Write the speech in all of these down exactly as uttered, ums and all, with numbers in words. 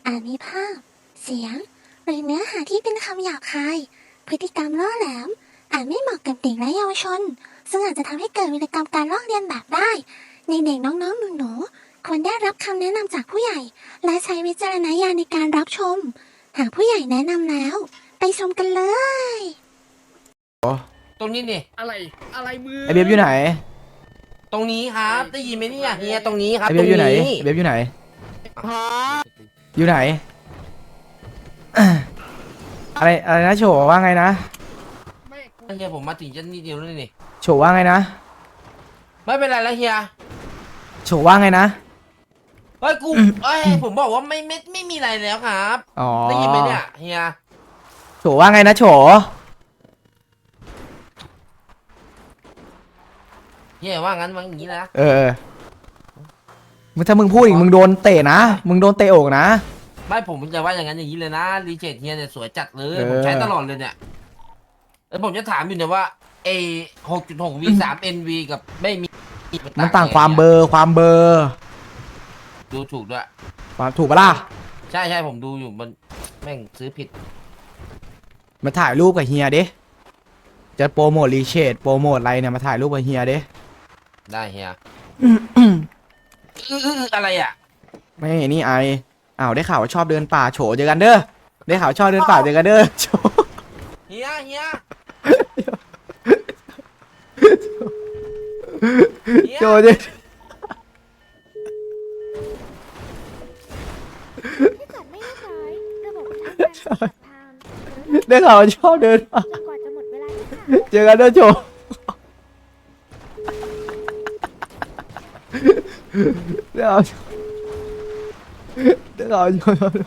อาจมีภาพ เสียง หรือเนื้อหาที่เป็นคำหยาบคาย พฤติกรรมล่อแหลม อาจไม่เหมาะกับเด็กและเยาวชน ซึ่งอาจจะทำให้เกิดวิกรรมการลอกเลียนแบบได้ ในเด็กน้องๆหนูๆควรได้รับคำแนะนำจากผู้ใหญ่ และใช้วิจารณญาณในการรับชม หากผู้ใหญ่แนะนำแล้ว ไปชมกันเลยตรงนี้นี่อะไรอะไรมือไอเบียบอยู่ไหนตรงนี้ครับ ได้ยินไหมเนี่ยเฮียตรงนี้ครับไอตเบีรยบงอยู่ไหนนี้ไอเบียบอยู่ไหนฮะอยู่ไหน อะไรอะไรนะโฉว่าไงนะไม่กูเฮียผมมาถึงจะนิดเดียวแล้วนี่โฉว่าไงนะไม่เป็นไรแล้วเฮียโฉว่าไงนะเฮ้ยกูเอ้ยผมบอกว่าไม่ไม่ไม่มีอะไรแล้วครับอ๋อได้ยินไหมเนี่ยเฮียโฉว่าไงนะโฉเฮียว่างั้นว่าอย่างนี้นะเออมึงถ้ามึงพูดอีกมึงโดนเตะนะมึงโดนเตะอกนะไม่ผมจะว่าอย่างนั้นอย่างนี้เลยนะรีเจทเฮียเนี่ยสวยจัดเลยเออผมใช้ตลอดเลยเนี่ยแล้วผมจะถามอยู่เนี่ยว่าเอหกจุดหกวีสามเอ็นวีกับไม่มีมันต่างความเบอร์ความเบอร์ดูถูกด้วยความถูกปะล่ะใช่ใช่ผมดูอยู่มันแม่งซื้อผิดมาถ่ายรูปกับเฮียดิจะโปรโมทรีเชดโปรโมทอะไรเนี่ยมาถ่ายรูปกับเฮียดิได้เฮียอื้ออื้ออะไรอ่ะไม่นี่ไออ้าวได้ข่าวว่าชอบเดินป่าโฉเจอกันเด้อได้ข่าวชอบเดินป่าเจอกันเด้อโฉเฮียเฮียเฮียโฉเจอถ้าเกิดไม่เรียบร้อยระบบทำงานจะทางได้ข่าวว่าชอบเดินป่าจนกว่าจะหมดเวลาที่ค่ะเจอกันเด้อโฉได้ข่าวได้ข่าวโฉ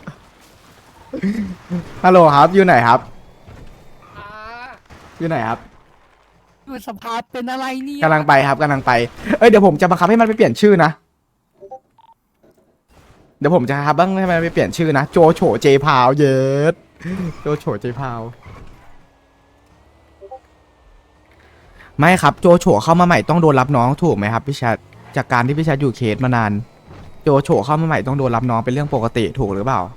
ฮัลโหลครับอยู่ไหนครับอ่าอยู่ไหนครับคือสภาพเป็นอะไรเนี่ยกำลังไปครับกำลังไปเอ้ยเดี๋ยวผมจะบังคับให้มันไปเปลี่ยนชื่อนะเดี๋ยวผมจะครับบ้างให้มันไปเปลี่ยนชื่อนะโจโฉเจพาวเยสโจโฉเจพาวไม่ครับโจโฉเข้ามาใหม่ต้องโดนรับน้องถูกไหมครับพี่ชัดจากการที่พี่ชัดอยู่เคสมานานโจโฉเข้ามาใหม่ต้องโดนรับน้องเป็นเรื่องปกติถูกหรือเปล่า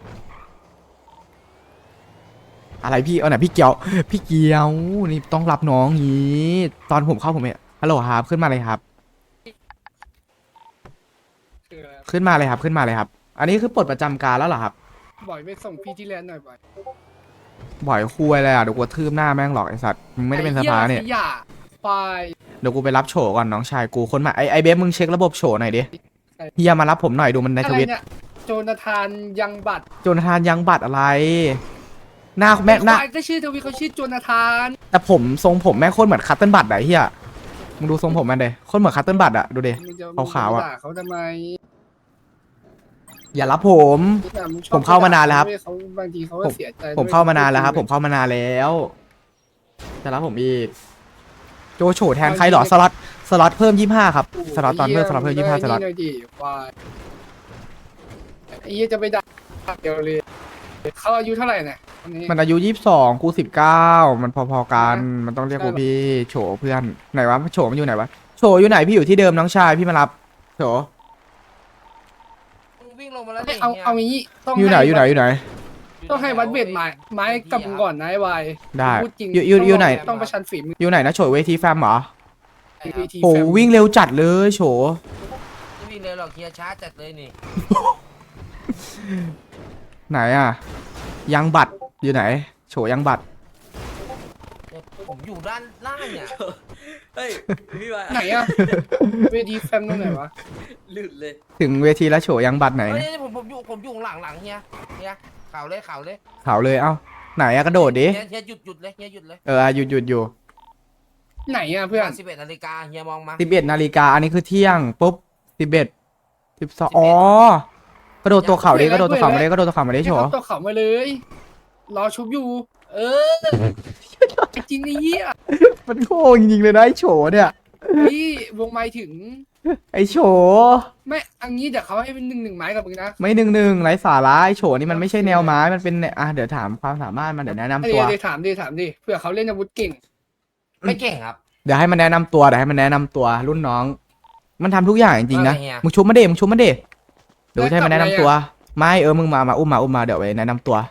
อะไรพี่เอาไหนพี่เกียวพี่เกียวนี่ต้องรับน้องงี้ตอนผมเข้าผมเนี่ยฮัลโหลครับขึ้นมาเลยครับคืออะไรขึ้นมาเลยครับขึ้นมาเลยครับ อันนี้คือปลดประจำการแล้วเหรอครับบ่อยไปส่งพี่ที่แลนด์หน่อยบ่อยบ่อยคุยเลยอ่ะเดี๋ยวกูทืบหน้าแม่งหรอกไอสัตว์มึงไม่ได้เป็นสภาเนี่ยไอ้หี้ขยะไฟเดี๋ยวกูไปรับโฉก่อนน้องชายกูคนใหม่ไอไอเบฟมึงเช็คระบบโฉหน่อยดิเฮียมารับผมหน่อยดูมันในอะทไรวิตเนี่ยโจนาธานยังบัตรโจนาธานยังบัตรอะไร หน้าแม่หน้าไอ้ควายก็ชื่อทวีเขาชื่อโจนาธานแต่ผมทรงผมแม่งโคตรเหมือนคัตเติ้ลบัตรอะเฮียมึงดูทรงผมมันเดโคตรเหมือนคัตเติ้ลบัตรอะดูดิมึงจะขาวๆอะมึงจด่เขาทำไมอย่ารับผมเนี่ยงชอบผมเข้ามานานแล้วครับเขาบางทีเขาก็ผมเสียใจผมเข้ามานานแล้วครับ ผมเข้ามานานแล้วจะรับผมอีกโจโฉแทนใครเหรอสล็อตสล็อตเพิ่มยี่ห้าครับสล็อตตอนเพิ่มสล็อตเพิ่มยี่ห้าสล็อตนี่หน่อยดิควายไอ้เหี้ยจะไปด่าเดียวเลยเขาอายุเท่าไหร่เนี่ยคนนี้มันอายุยี่สิบสองกูสิบเก้ามันพอๆกัน มันต้องเรียกกูพี่โฉเพื่อน ไหนวะโฉมันอยู่ไหนวะโฉอยู่ไหนพี่อยู่ที่เดิมน้องชายพี่มารับโฉวิ่งลงมาแล้วเอาเอางี้ต้องอยู่ไหนให้อยู่ไหนอยู่ไหนต้องให้วัดเวทไม้ไม้กับมึงก่อนนะไอ้วายได้พูดจริงอยู่อยู่อยู่ไหนต้องประชันฝีมืออยู่ไหนนะโฉเวทีแฟมเหรอวีทีโหแฟมวิ่งเร็วจัดเลยโฉไม่วิ่งเลยหรอกเฮียช้าจัดเลยนี่ไหนอะยังบัตรอยู่ไหนโฉยังบัตรผมอยู่ด้านล่างเนี่ยเฮ้ยพี่วายไหนอะวีทีแฟมตรงไหนวะหลุดเลยถึงเวทีแล้วโฉยังบัตรไหนเฮ้ยผมผมอยู่ผมอยู่หลังหลังเฮียเฮียข่าวเลยข่าวเลยเขาเลยเอ้าไหนอะกระโดดดิเฮียเฮียหยุดหยุดเลยเฮียหยุดเลยเออหยุดหยุดอยู่ไหนอะเพื่อนสิบเอ็ดนาฬิกาเฮียมองมาสิบเอ็ดนาฬิกาอันนี้คือเที่ยงปุ๊บสิบเอ็ดสิบสองอ๋อ กระโดดตัวเข่าดิกระโดดตัวเข่ามาดิกระโดดตัวเข่ามาดิให้โฉเขาตัวเขามาเลย รอชุบอยู่ เออจริงไอ้เหี้ยมันโง่จริงๆเลยนะไอโฉเนี่ยพี่วงไม้ถึงไอโฉไม่อันนี้เดี๋ยวเขาให้เป็นหนึ่งหนึ่งไม้กับมึงนะไม่หนึ่งหนึ่งไร้สาระไอโฉนี่มันไม่ใช่แนวไม้มันเป็นอ่ะเดี๋ยวถามความสามารถมันเดี๋ยวแนะนำเดี๋ตัยว วเดี๋ยวถามดิถามดิเผื่อเขาเล่นอาวุธเก่งไม่เก่งครับเดี๋ยวให้มันแนะนำตัวเดี๋ยวให้มันแนะนำตัวรุ่นน้อง มันทำทุกอย่างจริงๆนะว่าไงเฮียมึงชุบมาเดมึงชุบมาเดเดี๋ยวจะให้มันแนะนำตัวไม่เออมึงมามาอุ้มมาอุ้มมาเดี๋ยวไปแนะนำตัว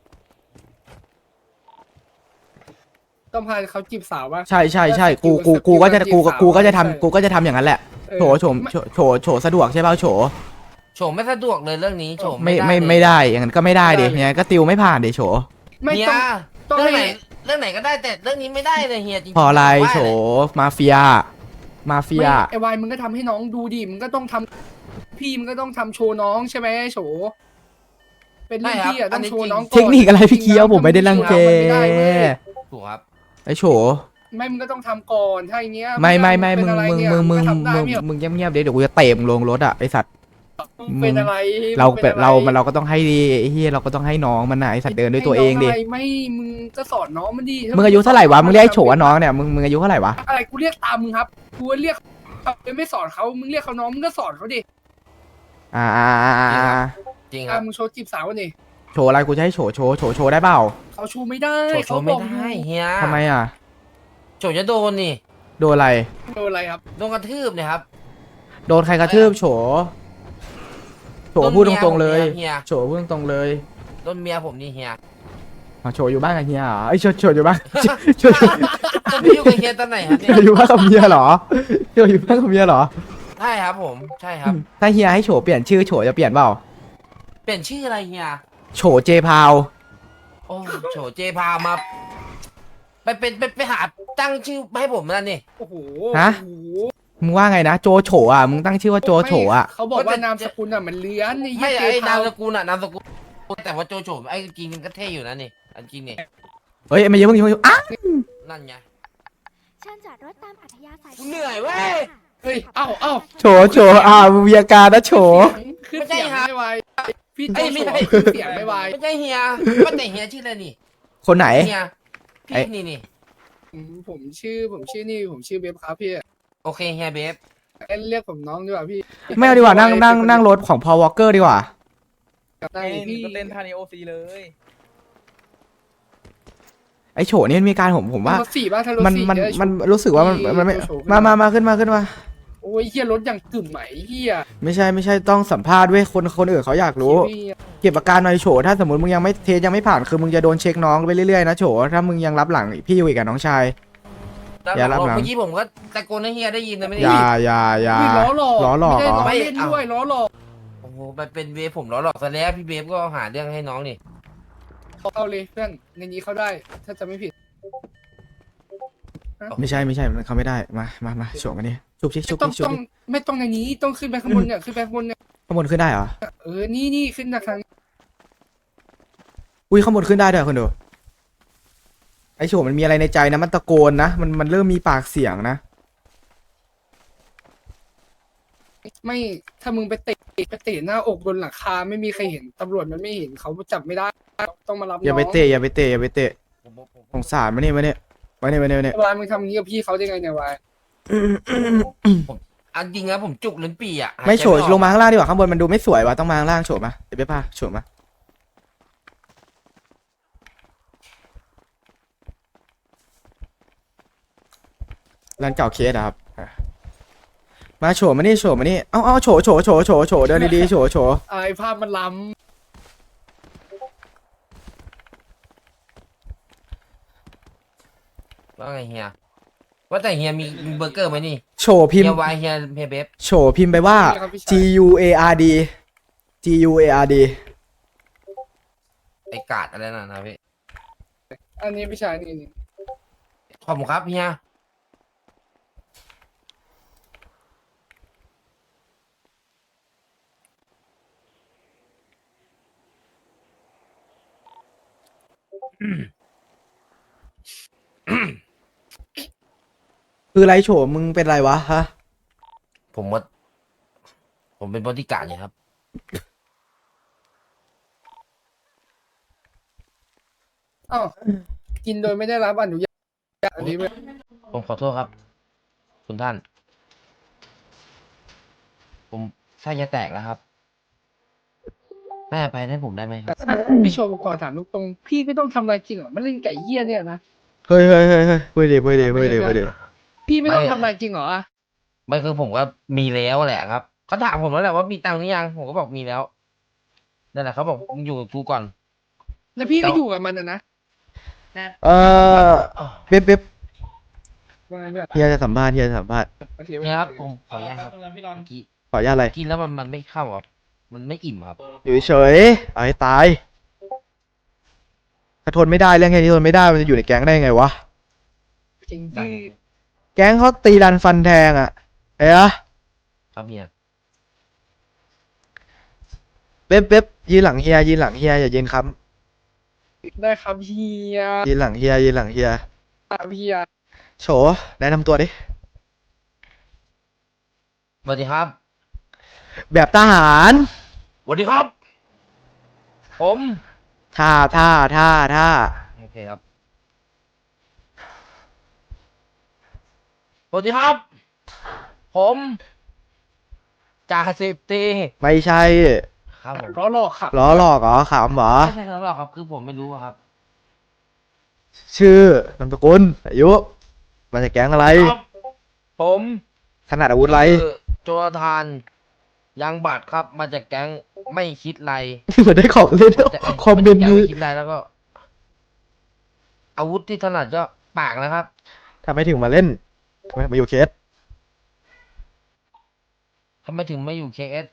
ต้องพาเขาจีบสาววะใช่ใช่ใช่กูสกิลกูกูก็จะสกิลกูจีบสาวกูก็จะใช่ทำกูก็จะทำอย่างนั้นแหละเออโฉโฉมไม่โฉโฉโฉสะดวกใช่เปล่าโฉโฉมไม่สะดวกเลยเรื่องนี้โฉมไม่ด้ไม่เลยไม่ได้อย่างนั้นก็ไม่ได้ดิไม่ได้เลยยังไงก็ติวไม่ผ่านดิโฉไม่เฮียต้อง ต้องเรื่องไหนให้เรื่องไหนก็ได้แต่เรื่องนี้ไม่ได้เลยเฮียจริงๆพออะไรว่าโฉมาเฟีย มาเฟียไม่ไอวายมึงก็ทำให้น้องดูดิมึงก็ต้องทำพี่มึงก็ต้องทำโชว์น้องใช่ไหมโฉเป็นรุ่นพี่อะต้องโชว์น้องก่อนเทคนิคอะไรพี่เคี้ยวผมไม่ได้รังแกมันไม่ได้เว้ยถูกครับไอโฉไม่มึงก็ต้องทำก่อนถ้าอย่างเงี้ยไม่ไม่ไม่เป็มึนงอะไรมึงเนี่ยมึงมึงก็ทำได้มึงไม่เหรอมึงเงียบๆเดี๋ยวเดี๋ยวกูจะเตะมึงลงรถอ่ะไอสัตว์มึงเป็นอะไรเรามึงเป็ป็นอะไรเรามันเราก็ต้องให้ดีไอ้เฮียเราก็ต้องให้น้องมันนะไอสัตว์เดินด้วยตัวเองดิให้น้ะไรไม่มึงก็สอนน้องมันดิมึงอายุเท่าไหร่วะมึงเรียกไอ้โฉว่าน้องเนี่ยมึงมึงอายุเท่าไหร่วะอะไรกูเรียกตามมึงครับกูเรียกเอาไม่สอนเขามึงเรียกเขาน้องมึงก็สอนเขาดิอ่าอ่าอ่าอ่าจริงคอ่ะรับมึงโชว์จีบสาวนี่โฉอะไรกูจะให้โฉโฉโฉโชว์ได้เปล่าเขาชูไม่ได้โฉโฉเขาไม่บอกได้เฮียทำไมอ่ะโฉจะโดนนี่โดนอะไรโดนอะไรครับโดนกระทืบเนี่ยครับโดนใครกระทืบโฉโฉพูดตรงๆเลยเฮียโฉพูดตรงๆเลยโดนเมียผมนี่เฮียอ่ะโฉอยู่บ้านกับเฮียเหรอไอยโฉโฉอยู่บ้านโฉโฉผมไปอยู่กับเฮียตอนไหนครับโฉเนี่ยอยู่บ้านกับเมียเหรอโฉอยู่บ้านกับเมียเหรอใช่ครับผมใช่ครับถ้าเฮียให้โฉเปลี่ยนชื่อโฉจะเปลี่ยนเปล่าเปลี่ยนชื่ออะไรเฮียโฉเจพาวโอ้โฉเจพามา ไปเป็นไปไปหาตั้งชื่อให้ผมนั่นนี่โอ้โหฮะโอ้โหมึงว่าไงนะโจโฉอ่ะมึงตั้งชื่อว่าโจโฉอ่ะไม่เขาบอกว่านามสกุลอ่ะมันเลื้อนไอ้ไม่เหี้ยไอ้เจนามพาวสกุลอะนามสกุลแต่ว่าโจโฉไอ้จริงๆก็เท่อยู่นะนี่อันจริงนี่เฮ้ยไม่เยอะมึงอย่าเพิ่งอ่ะนั่นไงเชิญจอดรถตามอัธยาศัยกูเหนื่อยเว้ยเฮ้ยเอ้าเอ้าโฉโฉอ่ะมึงมีอาการนะโฉขึ้นไม่ใช่เสียงฮะไม่ไหวพี่เอ้โจยไม่โฉใช่ขึ้นเสียงไม่ไหวไม่ใช่เฮียว่าแต่เฮียชื่ออะไรนี่คนไหนเฮียไอ้พี่นี่นี่ผมผมชื่อผมชื่อนี่ผมชื่อเบฟครับพี่โอเคเฮียเบฟเอ้ยเรียกผมน้องดีกว่าพี่ไม่เอาดีกว่านั่งนั่งนั่งรถของพอวอลเกอร์ดีกว่าได้เต้นพี่ก็เต้นท่านี้โอซีเลยไอโฉนี่มันมีการผมผมว่ารถสี่ป่ะถ้ารถมันสี่มันเยมันรู้สึกว่ามันมันไม่โชว์ขึ้นมามามาขึ้นมาขึ้นมาโอ้ยเฮียรถอย่างกึ่มไหมเฮียไม่ใช่ไม่ใช่ต้องสัมภาษณ์เว้ยคนคนอื่นเขาอยากรู้พี่เก็บอาการหน่อยโฉถ้าสมมติมึงยังไม่เทสยังไม่ผ่านคือมึงจะโดนเช็คน้องไปเรื่อยๆนะโฉถ้ามึงยังรับหลังพี่อยู่อีกกับน้องชาย อย่ารับหลังเมื่อกี้ผมก็ตะโกนให้เฮียได้ยินนะไม่ได้อย่ายินอย่าอย่าพี่ล้อหลอกล้อหลอกไม่เหรอได้ล้อเล่นด้วยล้อหลอกโอ้โหมันเป็นเวฟผมล้อหลอกซะแล้วพี่เบฟก็หาเรื่องให้น้องนี่เอาเลยเพื่อนในนี้เขาได้ ถ้าจะไม่ผิดไม่ใช่ไม่ใช่มันเขาไม่ได้มามามาโฉกันนี่ชุบชิชุบต้องชิชุบต้องดิไม่ต้องในนี้ต้องขึ้นไปข้างบนเนี่ยขึ้นไปข้างบนเนี่ยข้างบนขึ้นได้เหรอเออนี่นี่ขึ้นจากทางอุ้ยข้างบนขึ้นได้ด้วยคนดูไอโฉมันมีอะไรในใจนะมันตะโกนนะมันมันเริ่มมีปากเสียงนะไม่ถ้ามึงไปเตะไปเตะหน้าอกบนหลังคาไม่มีใครเห็นตำรวจมันไม่เห็นเขาจับไม่ได้ต้องมารับน้องอย่าไปเตะอย่าไปเตะอย่าไปเตะผมผมผมสงสารมาเนี่ยมาเนี่ยมาเนี่ยมาเนี่ยมาเนี่ยวายมึงทำอย่างนี้กับพี่เขาได้ไงเนี่ยวายอันจริงนะผมจุกลิ้นปี่อ่ะหายใจไม่โฉออกลงมาข้างล่างดีกว่าข้างบนมันดูไม่สวยว่ะต้องมาข้างล่างโฉมาเดี๋ยวไปพาโฉมาร้านเก่าเคสอะครับอ่ะมาโฉมานี่โฉมานี่เอาเอาโฉโฉโฉโฉโฉเดินดีๆโฉโฉไอ้ภาพมันล้ว่าไงเฮียว่าแต่เฮียมีมีเบอร์เกอร์ไหมนี่โฉพิมเฮีพ์ยวายเฮียเฮียเบฟโฉพิมพ์ไปว่า G U A R D G U A R D ไอ้กาดอะไรนั่นนะพี่ำอันนี้พี่ชายนี่นี่ขอบคุณครับเฮียอืมคืออะไรโฉมึงเป็นไรวะฮะผมว่าผมเป็นบริการดเนี่ยครับอ้าวกินโดยไม่ได้รับอนุญาตอันนี้เว้ยผมขอโทษครับ คุณท่าน ผมไส้จะแตกแล้วครับแม่ไปให้ผมได้ไหมครับพี่โชว์ขอถามตรงๆพี่ไม่ต้องทำอะไรจริงเหรอมันเล่นไก่เหี้ยเนี่ยนะเฮ้ยเฮ้ยเฮ้ยเฮ้ยพูดดีพูดดีพูดดีพูดดีพี่ไม่ต้องไม่ทำอะไรจริงเหรอไม่คือผมก็มีแล้วแหละครับเขาถามผมแล้วแหละว่ามีตังค์หรือยังผมก็บอกมีแล้วนั่นแหละเขาบอกมึงอยู่กับกูก่อนแล้วพี่ก็อยู่กับมันอะนะเออเบ๊บเบ๊บว่าไงเพื่อนเฮียจะสัมภาษณ์เฮียจะสัมภาษณ์โอเคเนี่ยครับผมขออนุญาตครับพี่รอนเมื่อกี้ขออนุญาตอะไรกินแล้วมันมันไม่เข้าครับมันไม่อิ่มครับอยู่เฉยๆเอาให้ตายถ้าทนไม่ได้เรื่องแค่นี้ทนไม่ได้มันจะอยู่ในแก๊งได้ยังไงวะจริงได้พี่แก๊งเขาตีรันฟันแทงอ่ะเอ้ยะครับเฮียเป๊ปเป๊ปยืนหลังเฮียยืนหลังเฮียอย่ายืนค้ได้ครับเฮียำยืนหลังเฮียยืนหลังเฮียครับเฮียโฉแนะนำตัวดิสวัสดีครับแบบทหารสวัสดีครับ ผมท่าท่าท่าท่าโอเคครับสวัสดีครับ ผมจ่าสิบตีไม่ใช่ครับผมเพราะหลอกค่ะล้อหลอกเหรอขำเหรอไม่ใช่ครับหรอกครับคือผมไม่รู้อะครับชื่อนามสกุลอายุมาจากแก๊งอะไรครับผมถนัดอาวุธอะไรคือโจรทานยังบัตรครับมาจากแก๊งไม่คิดไรเหมือนได้ของเล่นแต่คอมเมนต์ไคือคิดไรแล้วก็ อาวุธที่ถนัดก็ปากนะครับทำไมถึงมาเล่นทำไมมาอยู่เคสทำไมถึงไม่อยู่ เค เอส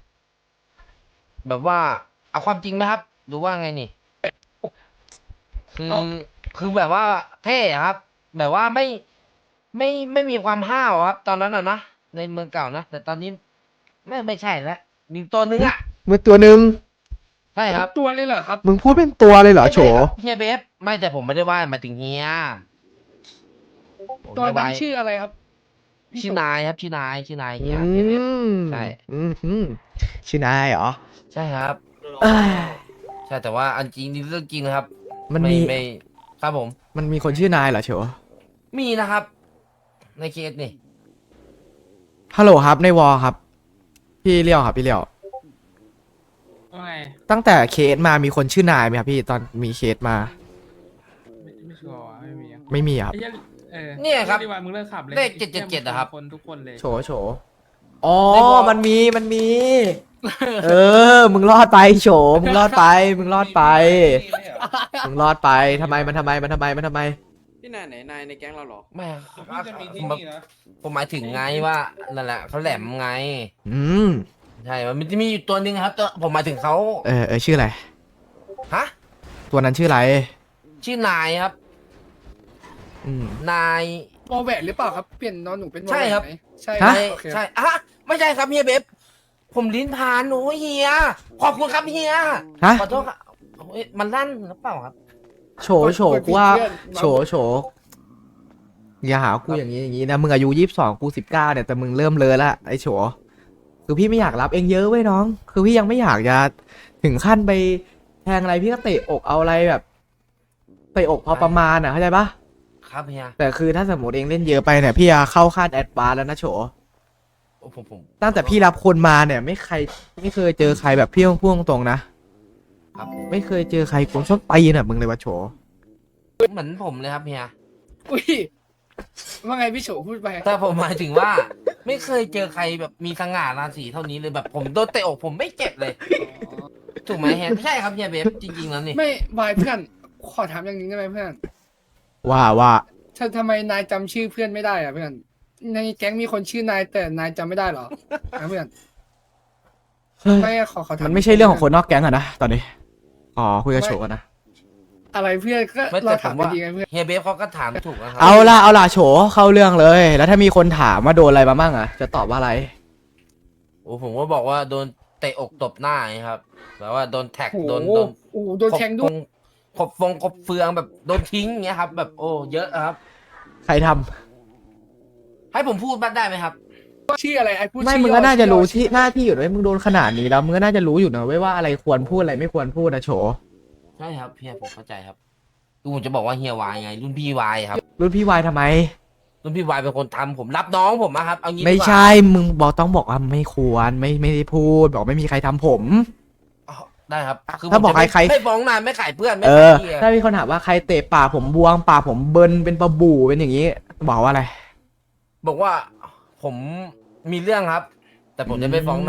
แบบว่า เอาความจริงไหมครับหรือว่าไงนี่ คือคือแบบว่าเท่อะครับ แบบว่าไม่ไม่ไม่มีความห้าวครับ ตอนนั้นอ่ะนะในเมืองเก่านะแต่ตอนนี้ไม่ไม่ใช่แล้วมีตัวนึงอ่ะมือตัวหนึ่งใช่ครับตัวเลยเหรอครับมึงพูดเป็นตัวเลยเหรอโฉเฮียเบฟไม่แต่ผมไม่ได้ว่าหมายถึงเฮียผมตัวไม่นั้นว่าชื่ออะไรครับพี่ชื่อนายครับชื่อนายชื่อนายอืเฮียเฮียเบฟมใช่อืมอืมชื่อนายเหรอใช่ครับเอ้ยใช่แต่ว่าอันจริงนี่เรื่องจริงนะครับมันมีไไม่ครับผมมันมีคนชื่อนายเหรอโฉมีนะครับ ในเคสนี่ฮัลโหลครับในวอลครับ พี่เลี้ยวครับพี่เลี้ยวว่าไงตั้งแต่เคสมามีคนชื่อนายไหมครับพี่ตอนมีเคสมาไม่ไม่ชัวร์ว่ะไม่มีอะไม่มีครับไอ้เหี้ยเออเนี่ยครับดีกว่ามึงเลิกขับเลยเลขเจ็ดเจ็ดเจ็ดอะครับคนทุกคนเลยโฉโฉอ๋อในวอลมันมีมันมี เออ มึงรอดไปโฉมึงรอดไป มึงรอดไป มึงรอดไปทำไมมันทำไมมันทำไมมันทำไมพี่นายไหนนายในแก๊งเราเหรอไม่พี่จะมีที่ผมนี่นะผมหมายถึงไงว่านั่นแหละเขาแหลมไงอืมใช่ มันจะมีอยู่ตัวหนึ่งครับตัวผมหมายถึงเขาเออเออชื่ออะไรฮะตัวนั้นชื่ออะไรชื่อนายครับอืมนายวอลแหวนหรือเปล่าครับ เปลี่ยนนอนหนูเป็นวอลใช่แหวนครับไหมใช่ฮะใช่โอเคใช่อะไม่ใช่ครับเฮียเบฟผมลิ้นพานหนูเฮีย ขอบคุณครับเฮียฮะขอโทษครับเอ้ยมันลั่นหรือเปล่าครับโฉโฉกูว่าโฉโฉอย่าหากูอย่างนี้อย่างนี้นะมึงอายุยี่สิบสองกูสิบเก้าเนี่ยแต่มึงเริ่มเลยละไอ้โฉคือพี่ไม่อยากรับเองเยอะเว้ยน้อง คือพี่ยังไม่อยากจะถึงขั้นไปแทงอะไรพี่ก็เตะอกเอาอะไรแบบเตะอกพอประมาณอ่ะเข้าใจปะครับเฮียแต่คือถ้าสมมติเองเล่นเยอะไปเนี่ยพี่จะเข้าขั้นแอดวานซ์แล้วนะโฉโอ้ผมผมตั้งแต่พี่รับคนมาเนี่ย ไม่ใครไม่เคยเจอใครแบบพี่พูดตรงๆนะครับผมไม่เคยเจอใครกลชอบตีน่ะมึงเลยวะโฉเหมือนผมเลยครับเฮียอุ้ยว่าไงพี่โฉพูดไปแต่ผมหมายถึงว่า ไม่เคยเจอใครแบบมีสง่าราศีเท่านี้เลยแบบผมโดนเตะอกผมไม่เจ็บเลย ถูกไหมเฮียใช่ครับเฮียเบฟจริงๆแล้วนี่ไม่วายเพื่อน ขอถามอย่างนี้ได้ไหมเพื่อนว่าว่าถ้าทำไมนายจำชื่อเพื่อนไม่ได้อะเพื่อน ในแก๊งมีคนชื่อนายแต่นายจำไม่ได้เหรอนะเพื่อนเฮ้ยไม่ขอขอถามมันไม่ใช่เรื่องของคนนอกแก๊งอะนะตอนนี้อ๋อคุยกับโฉกันนะอะไรเพื่อนก็ไม่เราแต่ผถามมไปว่าดีไงเพื่อนเฮียเบฟเขาก็ถามถูกนะครัเอาล่ะเอาล่ะโฉเข้าเรื่องเลย แล้วถ้ามีคนถามว่าโดนอะไรมาบ้างอะจะตอบว่าอะไรโอ้ผมก็บอกว่าโดนเตะอกตบหน้าไงครับแบบว่าโดนแท็กโอ้โหโดนโดนโอ้โหโดนแทงด้วยขบฟงขบเฟืองแบบโดนทิ้งอย่างเงี้ยครับ แบบโอ้เยอะครับใครทำให้ผมพูดบ้างได้ไหมครับชื่ออะไรไอ้พูดไม่ชื่อมึงก็น่าจะรู้ย่อที่หน้าที่อยู่ด้วยมึงโดนขนาดนี้แล้วมึงก็น่าจะรู้อยู่นะเว้ยว่าอะไรควรพูดอะไรไม่ควรพูดนะโฉใช่ครับเฮียผมเข้าใจครับคือผมจะบอกว่าเฮียวายไง รุ่นพี่วายครับรุ่นพี่วายทำไมรุ่นพี่วายเป็นคนทำผมรับน้องผมนะครับเอางี้ดีกว่าไม่ใช่มึงบอกต้องบอกว่าไม่ควรไม่ไม่ได้พูด บอกไม่มีใครทำผมอ๋อได้ครับคือถ้าบอกผมจะไม่ใครๆไม่ฟ้องนายไม่ขายเพื่อนไม่เอขาอยเฮียถ้ามีคนถามว่าใครเตะปากผมบวงปากผมเบิร์นเป็นปลาบู่เป็นอย่างนี้ บอกว่าอะไรบอกว่าผมมีเรื่องครับ แต่ผมจะไม่ฟ้องนาย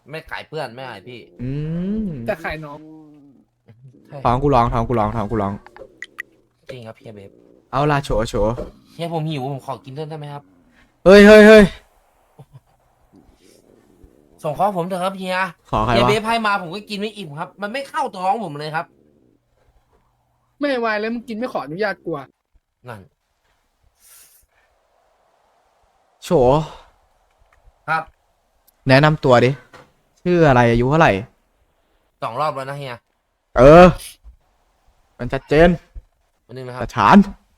ไม่ขายเพื่อนไม่ขายพี่อืมแต่ขายน้องใช่ท้องกูร้องท้องกูร้องท้องกูร้องจริงครับเฮียเบฟเอาล่ะโฉโฉเฮียผมหิวผมขอกินเพิ่มได้ไหมครับเฮ้ยเฮ้ยเฮ้ยส่งข้อผมเถอะครับเฮียขอใครเฮียวะเบฟให้มาผมก็กินไม่อิ่มครับ มันไม่เข้าท้องผมเลยครับไม่วายแล้วมึงกินไม่ขออนุญาตกลัวนั่นโฉครับแนะนำตัวดิ ชื่ออะไรอายุเท่าไหร่สองรอบแล้วนะเฮียเออ มันชัดเจนวันนึงนะครับแต่ฐาน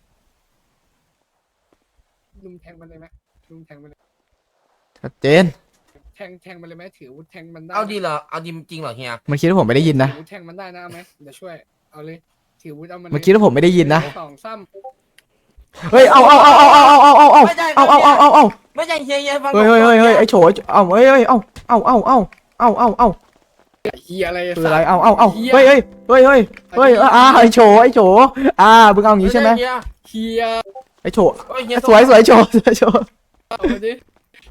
ลุงแทงมันเลยไหมลุงแทงมันเลยชัดเจนแทงแทงมันเลยไหมถืออาวุธแทงมันได้เอาดีเหรอเอาดีจริงเหรอเฮียมันคิดว่าผมไม่ได้ยินนะถืออาวุธแทงมันได้นะเอาไหมเดี๋ยวช่วยเอาเลยถืออาวุธเอามันเลยมันคิดว่าผมไม่ได้ยินนะสองซ้เฮ้ย เอาเอาเอาเอาเอาเอาเอาเอาเอาเอาเอาเอาเอาเอาไม่ใช่เฮียเฮียฟังเฮ้ยเฮ้ยเฮ้ยเฮ้ยไอโฉเอาเฮ้ยเฮ้ยเอาเอาเอาเอาเอาเอาเอาำเฮียอะไรคืออะไร เอาเอาเอาเฮ้ยเฮ้ยเฮ้ยเฮ้ยเฮ้ยอ่าไอโฉไอโฉอ่ามึงเอาอย่างงี้ใช่ไหมเฮียเฮียไอโฉเฮ้ยเฮียสวยสวยโฉสวยโฉเอามาดิ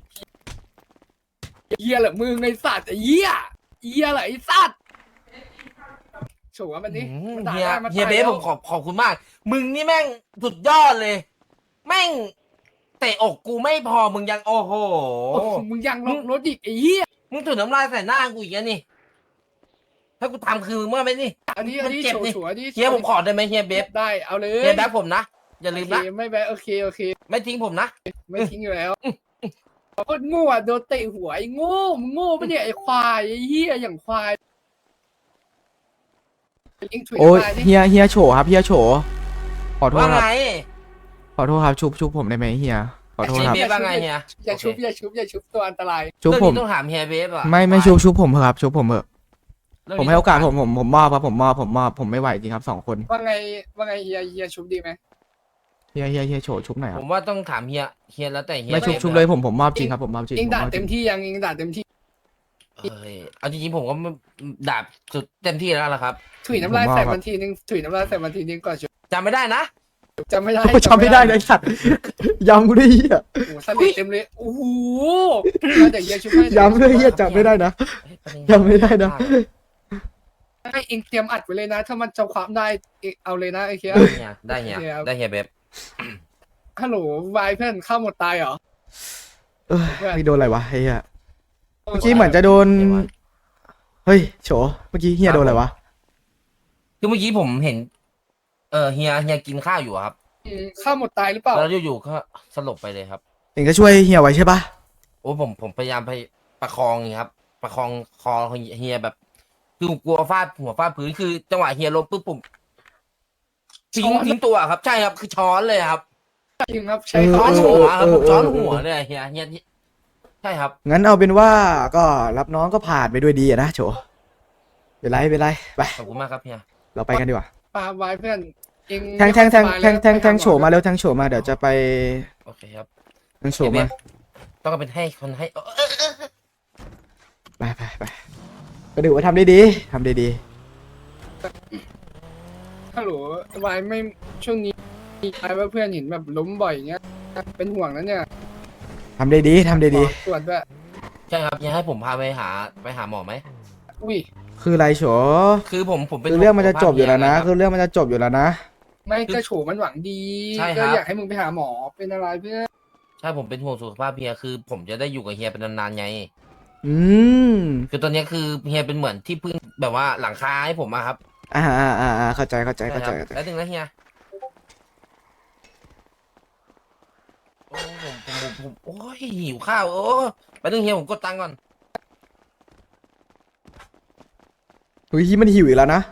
เฮียเหรอมึงไอสัตว์ไอ้เฮียเฮียเหรอไอสัตว์โฉว่ามันดิอืมมันด่าเฮียได้มันเฮียเบฟตาผแล้วมขอบขอบคุณมาก มึงนี่แม่งสุดยอดเลย แม่งเตะอกกูไม่พอมึงยังโอ้โหโอ้โหมึงยังลงรถอีกไอ้เฮียมึงถุนน้ำลายใส่หน้ากูอีกแล้วนี่ ถ้ากูทำคือมึงเมื่อไหร่นี่อันนี้อันนี้มันเจ็บโฉดิโฉอันนี้เฮียผมขอได้ไหมเฮียเบฟได้เอาเลยเฮียแบฟผมนะ อย่าลืมนะโอเคไม่แบะโอเคโอเคไม่ทิ้งผมนะไม่ทิ้งอยู่แล้วโคตรโง่อะโดนเตะหัวไอ้โง่มึงโง่ปะเนี่ยไอ้ควายไอ้เฮียอย่างควายเอ็งถุยโอ้ยน้ำลายดิเฮียเฮียโฉครับเฮียโฉขอโทษว่าครับไงขอโทษครับชุบชุบผมได้ไหมเฮียขอโทษเฮียครับเบฟว่าไงเฮียอย่าชุบอย่าชุบอย่าชุบตัวอันตรายชุบเรื่องผมนี้ต้องถามเฮียเบฟอ่ะไม่ไม่ชุบชุบผมเถอะครับชุบผมเถอะเรื่องผมนี้ให้โอกาสผมผมผมมอบครับผมมอบผมมอบผมไม่ไหวจริงครับสองคนว่าไงว่าไงเฮียเฮียชุบดีไหมเฮียเฮียเฮียโฉชุบหน่อยคผรับมว่าต้องถามเฮียเฮียแล้วแต่เฮียไม่ชุบบฟชุบเลยผมผมมอบจริงครับผมมอบจริงเอ็งผมด่ามอบจเต็ริมงที่ยังเอ็งด่าเต็มที่เฮ้ยเอาจริงๆผมก็ดาบสุดเต็มที่แล้วล่ะครับถุยน้ำลายใส่มันทีนึงถุยน้ำลายใส่มันทีนึงก่อนชุบจำไม่ได้นะจำไม่ได้โอ้ยจำไม่ได้เลยสัตว์ย้ำกูด้วยเฮียโอ้โหสลิดเต็มเลยโอ้โหแล้วเดี๋ยวเฮียชุบให้ย้ำด้วยเฮียจำไม่ได้นะเฮ้ยประเด็นจำไม่ได้นะให้เอ็งเตรียมอัดไว้เลยนะ ถ้ามันจำความได้เอ็งเอาเลยนะไอ้เฮียได้เฮียได้เฮียเดี๋ยวได้เฮียเบฟฮัลโหลวายเพื่อนข้าวหมดตายเหรอเออไม่โดนอะไรวะเฮียเมื่อกี้เหมือนจะโดนเฮ้ยโฉเมื่อกี้เฮียโดนอะไรวะคือเมื่อกี้ผมเห็น เออเฮียเฮียกินข้าวอยู่อะครับอืมข้าวหมดตายหรือเปล่าแล้วอยู่ๆก็สลบไปเลยครับเองก็ช่วยเฮียไว้ใช่ปะโอ้ผมผมพยายามไปประคองอย่างงี้ครับ ประคองคอเฮียแบบ คือผมกลัวฟาดหัวฟาดพื้นคือจังหวะเฮียล้มปุ๊บผมทิ้งทิ้งตัวครับใช่ครับคือช้อนเลยครับจริงครับใช่ช้อนครับหัวครับผมช้อนหัวเลยเฮียเฮียใช่ครับงั้นเอาเป็นว่าก็รับน้องก็ผ่านไปด้วยดีอะนะโฉเป็นไรเป็นไรไปขอบคุณมากครับเฮียเราไปกันดีกว่าปาวายเพื่อนเองแทงแทงแทงแทงแทงแทงโฉมาเร็วแทงโฉมาเดี๋ยวจะไปโอเคครับแทงโฉมาต้องเป็นให้คนให้เออเออเออไปไปไปก็ดูว่าทำได้ดีทำได้ดีฮัลโหลวายไม่ช่วงนี้วายว่าเพื่อนเห็นแบบล้มบ่อยอย่างเงี้ยเป็นห่วงนะเนี่ยทำได้ดีทำได้ดีขอตรวจด้วยใช่ครับเฮียให้ผมพาไปหาไปหาหมอไหมอุ้ยคืออะไรโฉคือผมผมเป็นคือเรื่องมันจะจบอยู่แล้วนะคคือเรื่องมันจะจบอยู่แล้วนะไม่ก็โฉมันหวังดีใช่คก็รับอยากให้มึงไปหาหมอเป็นอะไรเพื่อนใช่ผมเป็นห่วงสุขภาพเฮียคือ ผมจะได้อยู่กับเฮียเป็นนานๆไงอืมคือตอนนี้คือเฮียเป็นเหมือนที่พึ่งแบบว่าหลังคาให้ผมอะครับอ่าอ่าอ่าอ่าเข้าใจเข้าใจเข้าใจช่ครับเข้าใจแล้วถึงนะเฮียโอ้ผมผมผมผมโอ้ยหิวข้าวโอ้ไปนึงเฮียผมกดตังค์ก่อนเฮ้ยมันหิวอีกแล้วนะ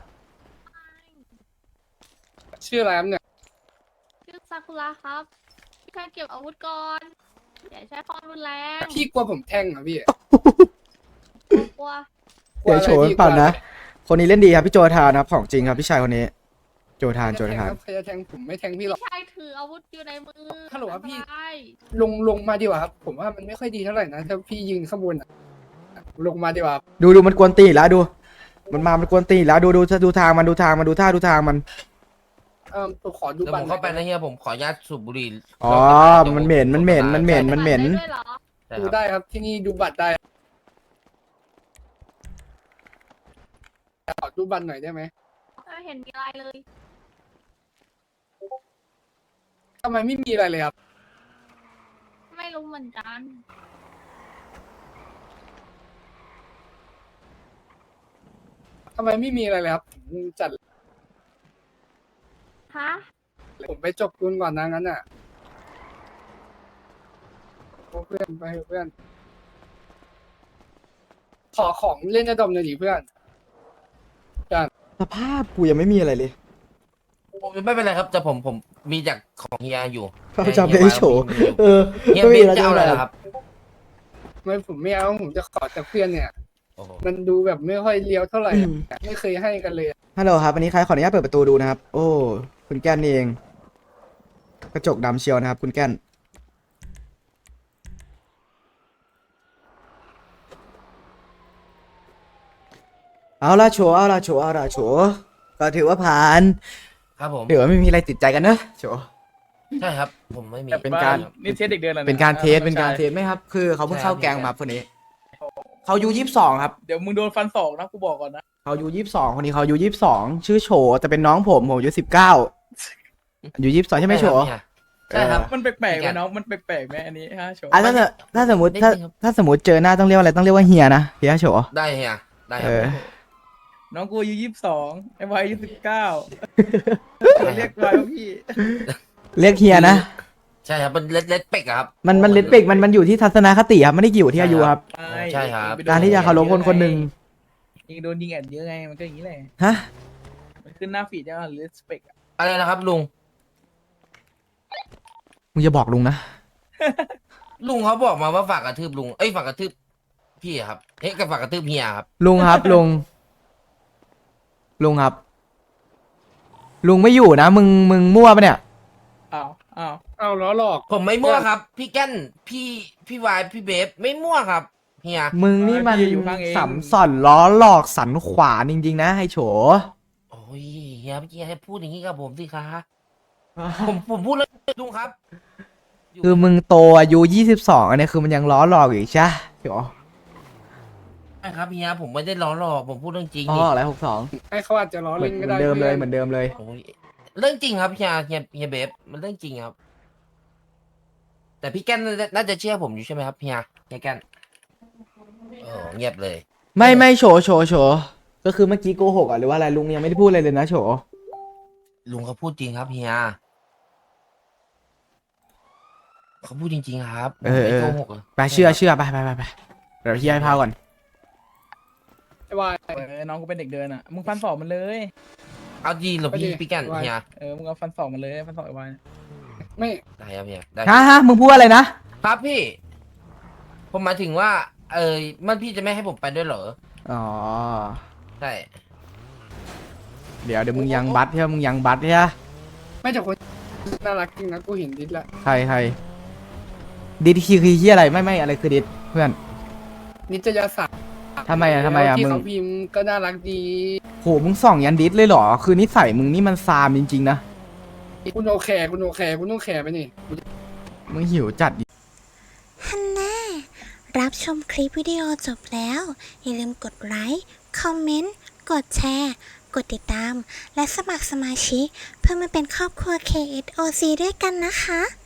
ชื่ออะไรครับเนี่ยชื่อซากุระครับพี่ชายเก็บอาวุธก่อนอย่าใช้ความรุนแรงพี่กลัวผมแทงเหรอพี่กลัวกลัวเดี๋ยวอะไรโฉพี่เปล่ากลัวนะอะไรคนนี้เล่นดีครับพี่โจทานครับของจริงครับพี่ชายคนนี้ โจทานโจทานใครจะแทงผมไม่แทงพี่หรอกพี่ชายถืออาวุธอยู่ในมือฮัลโหลครับพี่อันตรายลงลงมาดีกว่าครับ ผมว่ามันไม่ค่อยดีเท่าไหร่นะถ้าพี่ยืนข้างบนอะลงมาดีกว่าดูดูมันกวนตีนอีกแล้วดู มันมามันกวนตีนอีกแล้วดูดูดูทางมันดูทางมันดูท่าดูทางมันเออผมขอดูเดี๋ยวบัผตมรเข้าไปนะเฮียผมขออนุญาตสูบบุหรี่อ๋อดี๋ยวมันเหม็นมันเหม็นมันเหม็นมันเหม็นได้ด้วยเหรอใช่ดูครับได้ครับที่นี่ดูบัตรได้ดูบัตรหน่อยได้ไหมไม่เห็นมีอะไรเลยทำไมไม่มีอะไรเลยครับไม่รู้เหมือนกันทำไมไม่มีอะไรเลยครับผมจัดฮะผมไปจบคุณก่อนนะงั้นอ่ะโอ้เพื่อนไปเถอะเพื่อน ขอของเล่นในดอมหน่อยดิเพื่อนสภาพกูยังไม่มีอะไรเลยผมไม่เป็นไรครับแต่ผมผมมีจากของเฮียอยู่เขาจำได้โฉ เออเฮียไม่เบมีนอะไรจะเอาอะไรล่ะครับไม่ผมไม่เอาผมจะขอจากเพื่อนเนี่ยโอ้โหมันดูแบบไม่ค่อยเลี้ยวเท่าไหร่อือะมไม่เคยให้กันเลยอะฮัลโหลครับวันนี้ใครขออนุญาตเปิดประตูดูนะครับ โอ้คุณแก้นนี่เอง กระจกดำเชียวนะครับ คุณแก้น เอาละโฉเอาละโฉเอาละโฉก็ถือว่าผ่านครับผมถือว่าไม่มีอะไรติดใจกันเนอะโฉใช่ครับ ผมไม่มีเป็นการนี่เทสเด็กเดินแล้วะเป็นการเทสอ่เป็นการใช่เทสไหมครับ คือเขาเพิ่งใช่เข้าครับแกงมาคนนี้ เขาอายูยี่สิบสองครับเดี๋ยวมึงโดนฟันศอกนะกูบอกก่อนนะเขาอายูยี่สิบสองคนนี้เขาอายูยี่สิบสองชื่อโฉแต่เป็นน้องผมผมอายุสิบเก้าอายุยี่สิบสองใช่ไหมโฉใช่ครับมันแปลกๆเป็ไหมนการน้องมันแปลกๆไหมอันนี้ฮะโชว์อ่ะถ้าสมถ้าสมมติถ้านิดนึงครับถ้าสมมติเจอหน้าต้องเรียกว่าอะไรต้องเรียกว่าเฮียนะเฮียโฉได้เฮียได้คเอรับอน้องกูอายุยี่สิบสองไอ้วายอายุสิบเก้าเรียกวายว่าพี่เรียกเฮียนะใช่ครับมันเล็ดเล็ดเป็กอะครับมันมันเลดเปกมันมันอยู่ที่ทัศนคติครับไม่ได้เกี่ยวที่อายุครับใช่ครับการที่จะเคารพคนคนหนึ่งยิงโดนยิงแอดเยอะไงมันก็อย่างนี้แหละฮะมันขึ้นหน้าฟีดยังหรือสเปกอะไรนะครับลุงมึงจะบอกลุงนะลุงเขาบอกมาว่าฝากกระทืบลุงเอ้ยฝากกระทืบพี่อะครับเฮ้ยกับฝากกระทืบเฮียครับลุงครับลุงลุงครับ ลุงไม่อยู่นะมึงมึงมั่วปะเนี่ยอ้าวอ้าวเอาล้อหลอกผมไม่มั่วครับ พี่แก้นพี่พี่วายพี่เบฟไม่มั่วครับเฮียมึงนี่มันสัมสอนล้อหลอกสันขวานจริงๆนะไอ้โฉโอ้ยเฮียเมื่อกี้ให้พูดอย่างนี้กับผมสิคะผมผมพูดเลยลุงครับคือมึงโตอายุยี่สิบสองอันเนี้ยคือมันยังล้อหลอกอยู่อีกใช่โฉใช่ครับเฮียผมไม่ได้ล้อหลอกผมพูดเรื่องจริงอ๋อนี่อะไรหกสองให้เขาอาจจะล้อเหมือเล่นนก็ได้เดิมเลยพื่อนเหมือนเดิมเลยโอ้ยเรื่องจริงครับเฮียเฮียเฮียเบฟมันเรื่องจริงครับ แต่พี่แก้นน่าจะน่าจะเชื่อผมอยู่ใช่ไหมครับเฮียเฮียแก้นโอ้เงียบเลยไม่ไม่โฉโฉโฉก็คือเมื่อกี้โกหกอ่ะหรือว่าอะไรลุงยังไม่ได้พูดอะไรเลยนะโฉลุงเขาพูดจริงครับเฮียเขาพูดจริงๆครับเออไม่เออโกหกหรไปเชื่อเชื่อไปไปไปไปเดี๋ยวพี่ให้พาก่อนไอ้วายเออน้องกูเป็นเด็กเดินอ่ะมึงฟันศอกมันเลยเอาดีเหรอพี่พี่แก้นเฮียเออมึงเอาฟันศอกมันเลยฟันศอกไอ้วายไม่ได้ครับเฮียได้ฮะฮะมึงพูดอะไรนะครับพี่ ผมหมายถึงว่า เออมันพี่จะไม่ให้ผมไปด้วยเหรออ๋อใช่เดี๋ยวเดี๋ยวมึงยังบัตรใช่ไหมมึงยังบัตรใช่ไหมไม่แต่คนน่ารักจริงนะกูเห็นดิสละใครใครดิดคือคือที่อะไรไม่ไม่อะไรคือดิดเพื่อนนิตยสารทำไมอะทำไมอะที่มึงเขาพิมพ์ก็น่ารักดีโหมึงส่องยันดิดเลยเหรอคือนิสัยมึงนี่มันซามจริงๆนะคุณโอแคร์คุณโอแคร์คุณต้องแคร์ไปนี่มึงหิวจัดฮันน่ารับชมคลิปวิดีโอจบแล้ว อย่าลืมกดไลค์ คอมเมนต์ กดแชร์ กดติดตาม และสมัครสมาชิกเพื่อมาเป็นครอบครัว เค เอส โอ ซี ด้วยกันนะคะ